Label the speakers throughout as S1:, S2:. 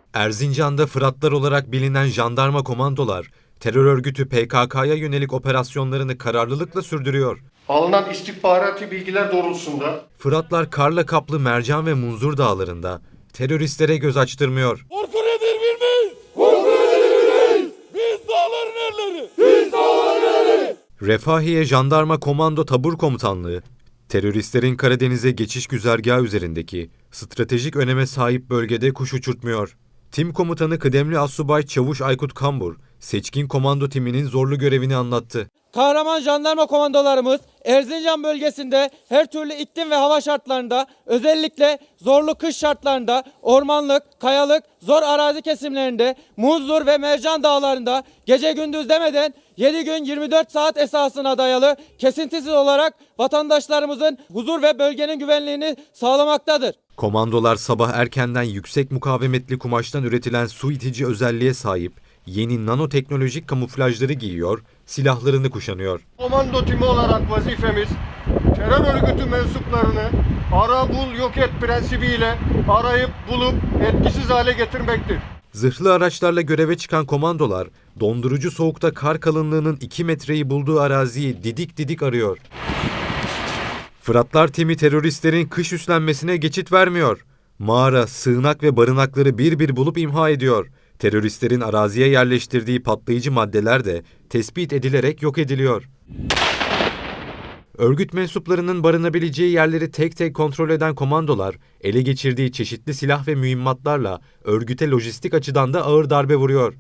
S1: Erzincan'da Fıratlar olarak bilinen jandarma komandolar, terör örgütü PKK'ya yönelik operasyonlarını kararlılıkla sürdürüyor.
S2: Alınan istihbarati bilgiler doğrultusunda
S1: Fıratlar karla kaplı Mercan ve Munzur dağlarında teröristlere göz açtırmıyor.
S3: Korku nedir bilmeyiz. Korku nedir bilmeyiz. Biz dağların erleri. Biz dağların erleri.
S1: Refahiye Jandarma Komando Tabur Komutanlığı, teröristlerin Karadeniz'e geçiş güzergahı üzerindeki stratejik öneme sahip bölgede kuş uçurtmuyor. Tim Komutanı Kıdemli Assubay Çavuş Aykut Kambur, seçkin komando timinin zorlu görevini anlattı.
S4: Kahraman jandarma komandolarımız Erzincan bölgesinde her türlü iklim ve hava şartlarında, özellikle zorlu kış şartlarında, ormanlık, kayalık, zor arazi kesimlerinde, Munzur ve Mercan dağlarında gece gündüz demeden 7 gün 24 saat esasına dayalı kesintisiz olarak vatandaşlarımızın huzur ve bölgenin güvenliğini sağlamaktadır.
S1: Komandolar sabah erkenden yüksek mukavemetli kumaştan üretilen su itici özelliğe sahip yeni nanoteknolojik kamuflajları giyiyor, silahlarını kuşanıyor.
S2: komando timi olarak vazifemiz terör örgütü mensuplarını ara bul yok et prensibiyle arayıp bulup etkisiz hale getirmektir.
S1: Zırhlı araçlarla göreve çıkan komandolar, dondurucu soğukta kar kalınlığının 2 metreyi bulduğu araziyi didik didik arıyor. Fıratlar timi teröristlerin kış üslenmesine geçit vermiyor. Mağara, sığınak ve barınakları bir bir bulup imha ediyor. Teröristlerin araziye yerleştirdiği patlayıcı maddeler de tespit edilerek yok ediliyor. Örgüt mensuplarının barınabileceği yerleri tek tek kontrol eden komandolar, ele geçirdiği çeşitli silah ve mühimmatlarla örgüte lojistik açıdan da ağır darbe vuruyor.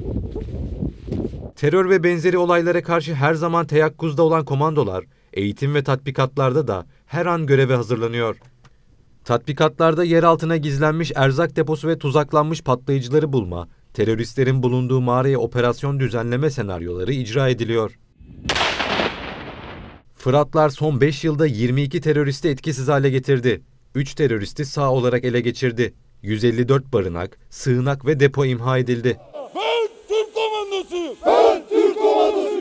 S1: Terör ve benzeri olaylara karşı her zaman teyakkuzda olan komandolar, eğitim ve tatbikatlarda da her an göreve hazırlanıyor. Tatbikatlarda yer altına gizlenmiş erzak deposu ve tuzaklanmış patlayıcıları bulma, teröristlerin bulunduğu mağaraya operasyon düzenleme senaryoları icra ediliyor. Fıratlar son 5 yılda 22 teröristi etkisiz hale getirdi. 3 teröristi sağ olarak ele geçirdi. 154 barınak, sığınak ve depo imha edildi.
S3: Ben Türk komandosuyum. Ben Türk komandosuyum.